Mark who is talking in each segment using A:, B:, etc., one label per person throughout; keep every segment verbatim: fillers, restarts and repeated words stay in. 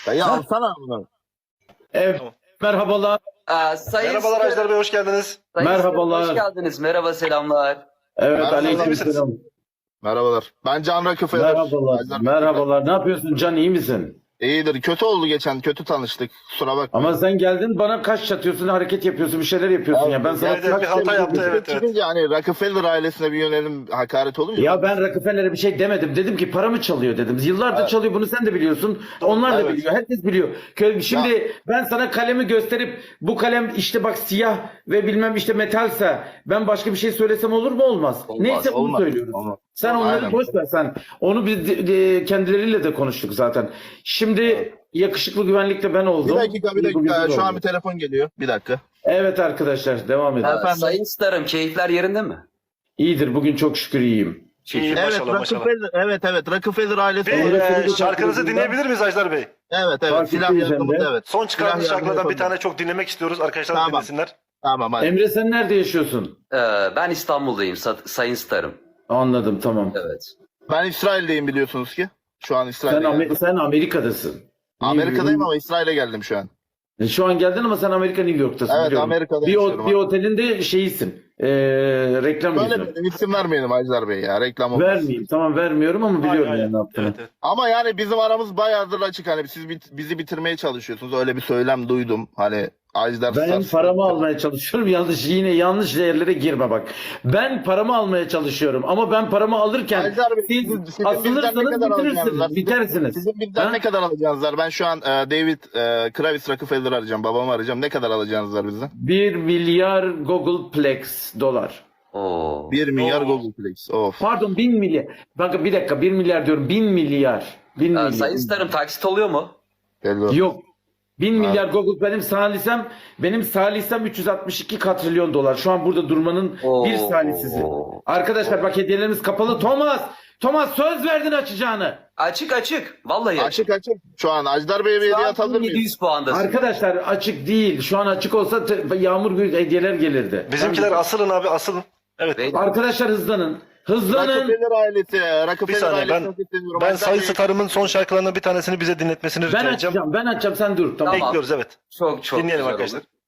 A: Dayı alsana bunu.
B: Evet,
C: Tamam.
B: merhabalar.
D: Aa, sayın
C: Merhabalar Ajdar Bey, hoş geldiniz.
D: Sayın
B: Merhabalar.
D: Hoş geldiniz. Merhaba, selamlar.
B: Evet,
A: Merhaba,
B: aleykümselam.
A: Merhabalar. Ben Can Rockefeller.
B: Merhabalar.
A: Ajdar-
B: Merhabalar. Ne yapıyorsun Can, iyi misin?
A: İyidir. Kötü oldu geçen. Kötü tanıştık. Kusura bakma.
B: Ama sen geldin bana kaş çatıyorsun, hareket yapıyorsun, bir şeyler yapıyorsun ya. Ben sana
C: evet, evet, bir hata yaptı, evet, evet.
A: Çıkınca hani Rockefeller ailesine bir yönelim hakaret olunca.
B: Ya ben Rockefeller'e bir şey demedim. Dedim ki paramı çalıyor dedim. Yıllardır
A: Evet.
B: çalıyor, bunu sen de biliyorsun. Onlar da
A: Evet.
B: biliyor. Herkes biliyor. Kö- Şimdi ben sana kalemi gösterip bu kalem işte bak siyah ve bilmem işte metalse ben başka bir şey söylesem olur mu olmaz?
D: Olmaz,
B: Neyse bunu
A: olmaz,
B: söylüyoruz.
A: olmaz.
B: Sen onları
A: Aynen.
B: boş ver sen. Onu biz de- de- kendileriyle de konuştuk zaten. Şimdi yakışıklı güvenlikle ben
A: Bir
B: oldum.
A: dakika bir
B: Bu
A: dakika.
B: güzel
A: Şu an
B: oldu.
A: bir telefon geliyor. Bir dakika.
B: Evet arkadaşlar devam edin.
D: Aa,
A: Efendim?
D: Sayın Starım, keyifler yerinde mi?
B: İyidir, bugün çok şükür iyiyim.
C: İyi,
A: Evet
C: maşallah maşallah.
A: Rockefeller. Evet evet. Rockefeller ailesi.
C: Bir
B: Evet.
C: e, şarkınızı dinleyebilir miyiz Ajdar Bey?
A: Evet evet.
B: Fark
A: Silah
B: ettiğiniz
A: yardımı
B: Emre.
A: evet.
C: Son çıkardığınız
A: Silah yardımı
C: şarkılardan bir
A: yapalım.
C: tane çok dinlemek istiyoruz. Arkadaşlar
A: Tamam.
C: dinlesinler.
A: Tamam hadi.
B: Emre sen nerede yaşıyorsun?
D: Ee, ben İstanbul'dayım, Sa- Sayın Starım.
B: Anladım, tamam.
D: Evet.
A: Ben İsrail'deyim biliyorsunuz ki. Şu an
B: Sen,
A: İsrail'de.
B: Amer-
A: geldim.
B: sen Amerika'dasın.
A: Amerika'dayım ama İsrail'e geldim şu an.
B: E, Şu an geldin ama sen Amerika New York'tasın.
A: Evet,
B: biliyorum.
A: Amerika'da
B: bir,
A: yaşıyorum
B: o- bir
A: abi.
B: otelinde şeyisin. E, reklam
A: Böyle
B: yüzü.
A: bir isim vermeyelim Ajdar Bey ya. Reklam olmaz.
B: Vermeyeyim. Tamam vermiyorum ama biliyorum
C: Aynen,
B: yani ne yaptığını.
C: evet, evet.
A: Ama yani bizim aramız bayağıdır açık. Hani siz bit- bizi bitirmeye çalışıyorsunuz. Öyle bir söylem duydum. Hani Ajdar
B: Ben
A: Stas-
B: paramı almaya çalışıyorum. Yanlış yine yanlış yerlere girme bak. Ben paramı almaya çalışıyorum ama ben paramı alırken
A: Ajdar Bey,
B: siz
A: sizin- sizin bizden ne
B: asılırsanız
A: kadar alacağınız var?
B: bitirirsiniz.
A: Sizin-
B: Bitersiniz.
A: Sizin bizden
B: Ha?
A: ne kadar alacağınız var? Ben şu an e, David e, Kravis Rockefeller arayacağım. Babamı arayacağım. Ne kadar alacağınız var bizden?
B: bir milyar Googleplex dolar.
D: Oo.
A: bir milyar
C: Oo.
A: Google Plex. Of.
B: Pardon bin milyar. Bakın bir dakika bir milyar diyorum. Bin milyar. Bin
D: Aa,
B: milyar.
D: Sayın Starım, taksit oluyor mu?
A: Belli oldu.
B: Yok. Bin milyar Google benim salisem benim salisem üç yüz altmış iki katrilyon dolar. Şu an burada durmanın
D: Oo.
B: bir saniyesi. Arkadaşlar bak hediyelerimiz kapalı. Thomas! Thomas söz verdin açacağını.
D: Açık açık. Vallahi açık.
A: Açık açık. Şu an Ajdar Bey'e bir
D: Şu
A: hediye
D: an
A: atabilir miyiz?
D: yedi yüz puandasın.
B: Arkadaşlar açık değil. Şu an açık olsa te- yağmur gibi hediyeler gelirdi.
C: Bizimkiler
B: Ben-
C: asılın abi, asılın. Evet.
D: Ve-
B: Arkadaşlar hızlanın. Hızlanın.
A: Rockefeller ailesi.
C: Bir
A: Rockefeller
C: saniye,
A: ailesi.
C: ben
A: çok istemiyorum.
C: ben
A: Ajdar
C: Sayın
A: Bey-
C: Starım'ın son şarkılarından bir tanesini bize dinletmesini rica
B: Ben
C: edeceğim.
B: açacağım. Ben açacağım. Sen dur. Tamam.
D: Tamam.
C: Bekliyoruz, evet.
D: Çok çok
C: Dinleyelim
D: güzel
C: arkadaşlar.
D: olur.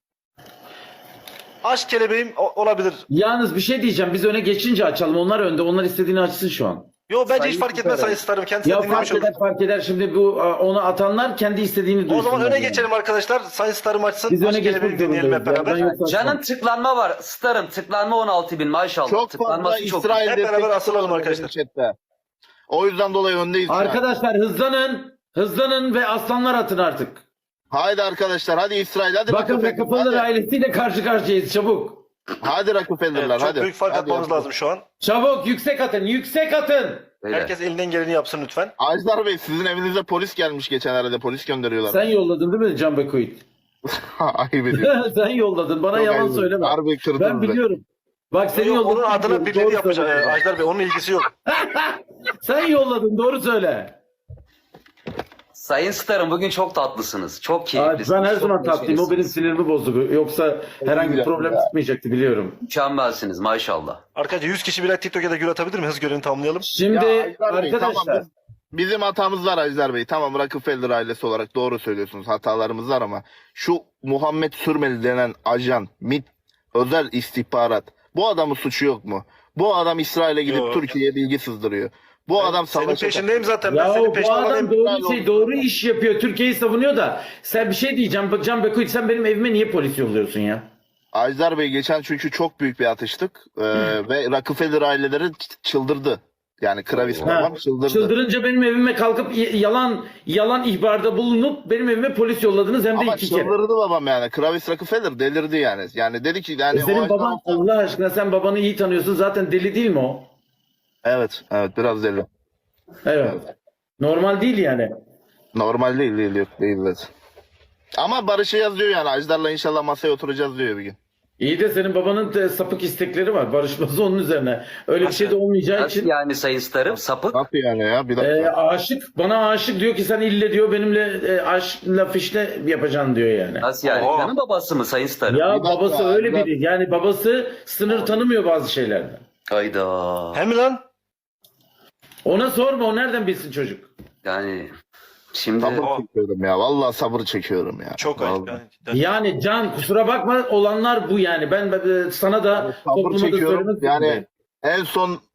C: Aşk kelebeğim o- olabilir.
B: Yalnız bir şey diyeceğim. Biz öne geçince açalım. Onlar önde. Onlar istediğini açsın şu an.
C: Yo, bence
D: Sayın
C: hiç fark etmez
D: Starım.
C: Sayın Starım. Kendisi
B: Ya
C: de dinlemiş
B: fark
C: olur.
B: eder fark eder. Şimdi bu a, onu atanlar kendi istediğini duysunlar.
C: O zaman öne
B: yani.
C: geçelim arkadaşlar. Sayın Starım açsın.
B: Biz öne
C: Aşk kelebeğimi
B: geçmek
C: dinleyelim hep
B: zorundayız. ya.
C: beraber.
B: Ben yoksa-
D: Can'ın tıklanma var. Starım tıklanma on altı bin maşallah.
A: Çok fazla
D: Tıklanması çok.
A: İsrail
C: Hep beraber
A: destekçisi
C: asılalım
A: var
C: arkadaşlar.
A: benim chatte. O yüzden dolayı öndeyiz. şu an.
B: Arkadaşlar hızlanın. Hızlanın ve aslanlar atın artık.
A: Haydi arkadaşlar hadi İsrail hadi
B: Bakın
A: Rockefeller.
B: Rockefeller
A: Hadi,
B: ailesiyle karşı karşıyayız. Çabuk.
A: hadi Rockefeller'lar
C: Evet, çok
A: hadi.
C: büyük fark
A: Hadi
C: atmamız
A: yapalım.
C: lazım şu an.
B: Çabuk yüksek atın. Yüksek atın.
D: Öyle.
C: Herkes elinden geleni yapsın lütfen.
A: Ajdar Bey sizin evinize polis gelmiş geçenlerde polis gönderiyorlar.
B: Sen yolladın değil mi Can Bekuit?
A: Ayıp ediyorsun.
B: Sen yolladın. Bana
A: Çok
B: yalan
A: ayıp.
B: söyleme.
A: Harbi kırdınız
B: Ben
A: be.
B: biliyorum. Bak seni
C: Yok,
B: yolladım.
C: onun adına
B: Doğru
C: birileri yapacak
B: söyle.
C: e, Ajdar Bey. Onun ilgisi yok.
B: Sen yolladın. Doğru söyle.
D: Sayın Starım, bugün çok tatlısınız. Çok
B: Aa,
D: keyiflisiniz.
B: ben her
D: çok
B: zaman tatlıyım. O benim
D: neşelisiniz.
B: sinirimi bozdu. Yoksa herhangi bir
A: güzel
B: problem
A: ya.
B: çıkmayacaktı biliyorum.
D: Mükemmelsiniz maşallah.
C: Arkadaşlar yüz kişi birer TikTok'a da gül atabilir mi? Hız görevini tamamlayalım.
B: Şimdi
A: Ya Ajdar Bey,
B: arkadaşlar.
A: tamam, biz- bizim hatamız var Ajdar Bey. Tamam Rockefeller ailesi olarak doğru söylüyorsunuz. Hatalarımız var ama şu Muhammed Sürmeli denen ajan, MİT, özel istihbarat. Bu adamın suçu yok mu? Bu adam İsrail'e gidip
C: Yok.
A: Türkiye'ye bilgi sızdırıyor. Bu adam
C: Senin
A: savaşa...
C: peşindeyim zaten. Ben
B: Ya
C: senin
B: bu
C: peşinden
B: adam
C: alayım.
B: doğru şey doğru iş yapıyor. Türkiye'yi savunuyor da sen bir şey diyeceğim. Bak Can Bekuit sen benim evime niye polis yolluyorsun ya?
A: Ajdar Bey geçen çünkü çok büyük bir atıştık. Ee, ve Rockefeller aileleri ç- çıldırdı. Yani Kravis
B: Ha,
A: babam çıldırdı.
B: çıldırınca benim evime kalkıp y- yalan yalan ihbarda bulunup benim evime polis yolladınız hem de
A: Ama
B: iki kere.
A: çıldırdı babam yani. Kravis Rockefeller delirdi yani. Yani dedi ki yani
B: E senin
A: o
B: baban Allah aşkına sen babanı iyi tanıyorsun zaten deli değil mi o?
A: Evet, evet biraz deli.
B: Evet. Normal değil yani.
A: Normal değil, değil, yok değil. Evet. Ama Barış'ı yazıyor yani. Ajdar'la inşallah masaya oturacağız diyor bir gün.
B: İyi de senin babanın da sapık istekleri var. Barışması onun üzerine. Öyle bir şey de olmayacağı
D: Nasıl
B: için
D: yani Sayın Starım? Sapık.
A: Nasıl yani ya? Bir dakika.
B: e, aşık. Bana aşık diyor ki sen ille diyor benimle e, aşkla fişle yapacaksın diyor yani.
D: Nasıl yani?
C: Oo.
D: Senin babası mı Sayın Starım?
B: Ya
A: Bir dakika,
B: babası öyle
A: bir dakika.
B: biri. Yani babası sınır tanımıyor bazı şeylerden.
D: Hayda.
C: Hem mi lan?
B: Ona sorma o nereden bilsin çocuk?
D: Yani Şimdi
A: Sabır çekiyorum ya. Vallahi sabır çekiyorum ya.
C: Çok ayıp.
A: Vallahi.
C: Yani, cidden.
B: Yani Can kusura bakma olanlar bu yani. Ben, ben sana da
A: Sabır
B: topluma da
A: çekiyorum.
B: söylemek
A: Yani
B: zorundayım.
A: en son